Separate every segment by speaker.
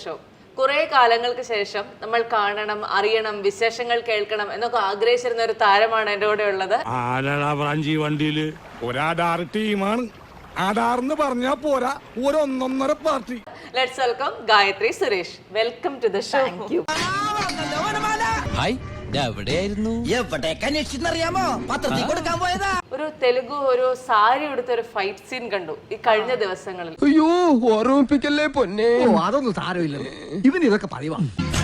Speaker 1: Show. കുറെ കാലങ്ങൾക്ക് ശേഷം നമ്മൾ കാണണം, അറിയണം, വിശേഷങ്ങൾ കേൾക്കണം എന്നൊക്കെ ആഗ്രഹിച്ചിരുന്ന ഒരു താരമാണ് എൻ്റെ കൂടെ ഉള്ളത്.
Speaker 2: വണ്ടിയില് ഒരാധാർ ടീമാണ്. ആധാർന്ന് പറഞ്ഞാ പോരാ, ഒരൊന്നൊന്നര party.
Speaker 1: Let's welcome Gayathri Suresh. Welcome to the show.
Speaker 3: Hi, എവിടെയായിരുന്നു?
Speaker 1: ഒരു തെലുഗു ഒരു സാരി എടുത്ത ഒരു ഫൈറ്റ് സീൻ കണ്ടു ഈ കഴിഞ്ഞ ദിവസങ്ങളിൽ.
Speaker 4: അയ്യോ, ഓർമ്മിപ്പിക്കല്ലേ പൊന്നെ. അതൊന്നും സാരമില്ല, ഇവൻ ഇതൊക്കെ പറയുവാ.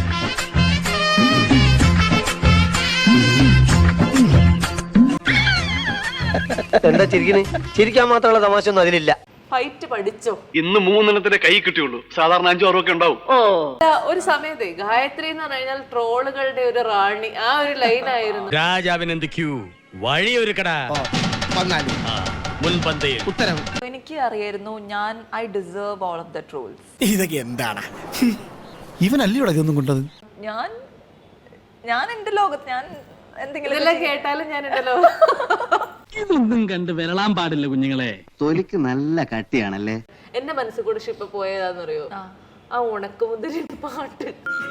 Speaker 5: എന്താ ചിരിക്കണേ? ചിരിക്കാൻ മാത്രമുള്ള തമാശ ഒന്നും അതിലില്ല.
Speaker 1: ഫൈറ്റ് പഠിച്ചോ?
Speaker 6: ഇന്ന് 3 കൈ കിട്ടിയുള്ളൂ, സാധാരണ 5-6 ഒക്കെ ഉണ്ടാവും.
Speaker 1: ഒരു സമയത്ത് ഗായത്രി എന്ന് പറഞ്ഞാൽ ട്രോളുകളുടെ ഒരു റാണി, ആ ഒരു ലൈനായിരുന്നു.
Speaker 3: രാജാവിനെന്ത് ക്യൂ, വഴിയൊരുക്കടാ. മുൻപന്തിയിൽ
Speaker 4: ഉത്തരവ്.
Speaker 7: എനിക്ക് അറിയായിരുന്നു ഞാൻ I deserve all of the trolls.
Speaker 8: ഇതൊക്കെ എന്താണ്? ഇവനല്ലേ ഇവിടെ ഇതൊന്നും കൊണ്ടത്?
Speaker 7: ഞാൻ എന്റെ ലോകത്ത് ഞാൻ എന്തെങ്കിലും
Speaker 1: ഇതെല്ലാം കേട്ടാലും ഞാൻ ഉണ്ടല്ലോ.
Speaker 9: ഇതൊന്നും കണ്ട് വിരളാൻ പാടില്ല കുഞ്ഞുങ്ങളെ.
Speaker 5: തൊലിക്ക് നല്ല കട്ടിയാണല്ലേ.
Speaker 1: എന്റെ മനസ്സിൽ കൂടെ ഇപ്പൊ പോയതാന്നറിയോ, ആ ഉണക്കുമുന്തിരി പാട്ട്.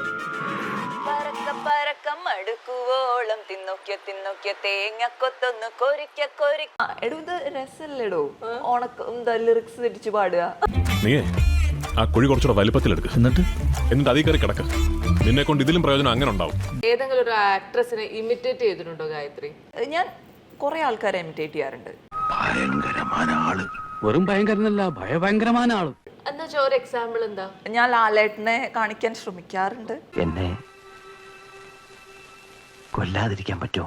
Speaker 7: മടുക്കുവോളം തിന്നോക്കിയ തിന്നോക്കിയ തേങ്ങ കൊത്തൊന്ന് കൊരിക്ക കൊരിക്ക. എടോ ഇത് രസല്ലേടോ, എന്താ ലിറിക്സ് തിരിച്ചു പാടുക.
Speaker 10: നീ ആ കുഴി കുറച്ചുകൂടെ വലിപ്പത്തിലെടുക്കുക, എന്നിട്ട് അതീ കയറി കിടക്ക. നിന്നെ കൊണ്ട് ഇതിലും പ്രയോജനം അങ്ങനെ ഉണ്ടാവും.
Speaker 1: ഏതെങ്കിലും ഒരു ആക്ട്രസിനെ ഇമിറ്റേറ്റ് ചെയ്തിട്ടുണ്ടോ ഗായത്രി?
Speaker 7: ഞാൻ കുറെ ആൾക്കാരെ ഇമിറ്റേറ്റ് ചെയ്യാറുണ്ട്.
Speaker 8: ഭയങ്കരമായ ആള്.
Speaker 9: വെറും ഭയങ്കരനല്ല, ഭയഭയങ്കരമായ ആള്.
Speaker 1: എന്താ ഒരു എക്സാമ്പിൾ എന്താ?
Speaker 7: ഞാൻ ലാലേട്ടനെ കാണിക്കാൻ ശ്രമിക്കാറുണ്ട്.
Speaker 5: എന്നെ കൊല്ലാതിരിക്കാൻ പറ്റുമോ?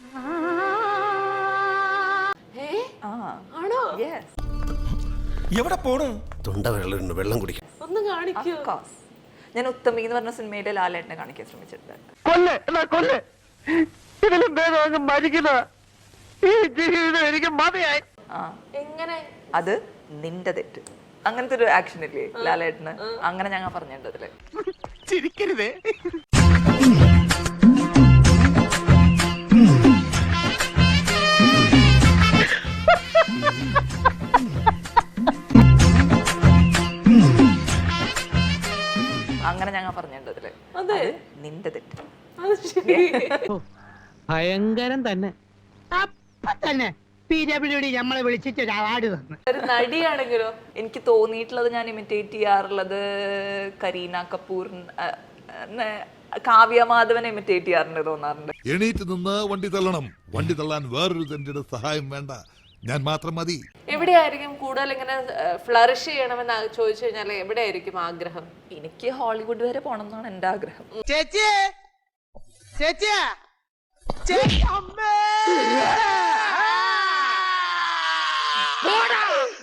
Speaker 1: ആണോ?
Speaker 8: എവിടെ പോണു? തൊണ്ട വെള്ളം കുടിക്കും.
Speaker 1: ഒന്ന് കാണിക്കൂ.
Speaker 7: ഞാൻ ഉത്തമി എന്ന് പറഞ്ഞ സിനിമയിലെ ലാലേട്ടനെ കാണിക്കാൻ ശ്രമിച്ചിട്ടുണ്ട്.
Speaker 1: എങ്ങനെ?
Speaker 7: അത് നിന്റെ തെറ്റ്, അങ്ങനത്തെ ഒരു ആക്ഷൻ ഇല്ലേ ലാലേട്ടന്, അങ്ങനെ ഞങ്ങൾ പറഞ്ഞിട്ടുണ്ടതില്.
Speaker 8: ചിരിക്കരുതേ.
Speaker 7: അങ്ങനെ ഞങ്ങൾ പറഞ്ഞിട്ടുണ്ടതില്.
Speaker 1: അതെ,
Speaker 7: നിന്റെ തെറ്റ്.
Speaker 1: അത് ശരി.
Speaker 9: ഭയങ്കരം തന്നെ. അപ്പൊ തന്നെ നമ്മളെ വിളിച്ചിട്ട് ഒരു അവാർഡ് തന്നു.
Speaker 1: ഒരു നടിയാണെങ്കിലോ?
Speaker 7: എനിക്ക് തോന്നിയിട്ടുള്ളത് ഞാൻ ഇമിറ്റേറ്റ് ചെയ്യാറുള്ളത് കരീന കപൂർ, കാവ്യ മാധവനെ ഇമിറ്റേറ്റ് ചെയ്യാറുണ്ട് തോന്നാറുണ്ട്.
Speaker 2: എണീറ്റ് നിന്ന് വണ്ടി തള്ളണം. വണ്ടി തള്ളാൻ വേറൊരു തന്റെ സഹായം വേണ്ട, ഞാൻ മാത്രം മതി.
Speaker 1: എവിടെയായിരിക്കും കൂടുതൽ ഇങ്ങനെ ഫ്ലറിഷ് ചെയ്യണമെന്ന് ചോദിച്ചു കഴിഞ്ഞാൽ എവിടെയായിരിക്കും ആഗ്രഹം?
Speaker 7: എനിക്ക് ഹോളിവുഡ് വരെ പോണം എന്നാണ് എന്റെ ആഗ്രഹം.
Speaker 4: ചേച്ചി, ചേച്ചി, ചേച്ചി, അമ്മേ.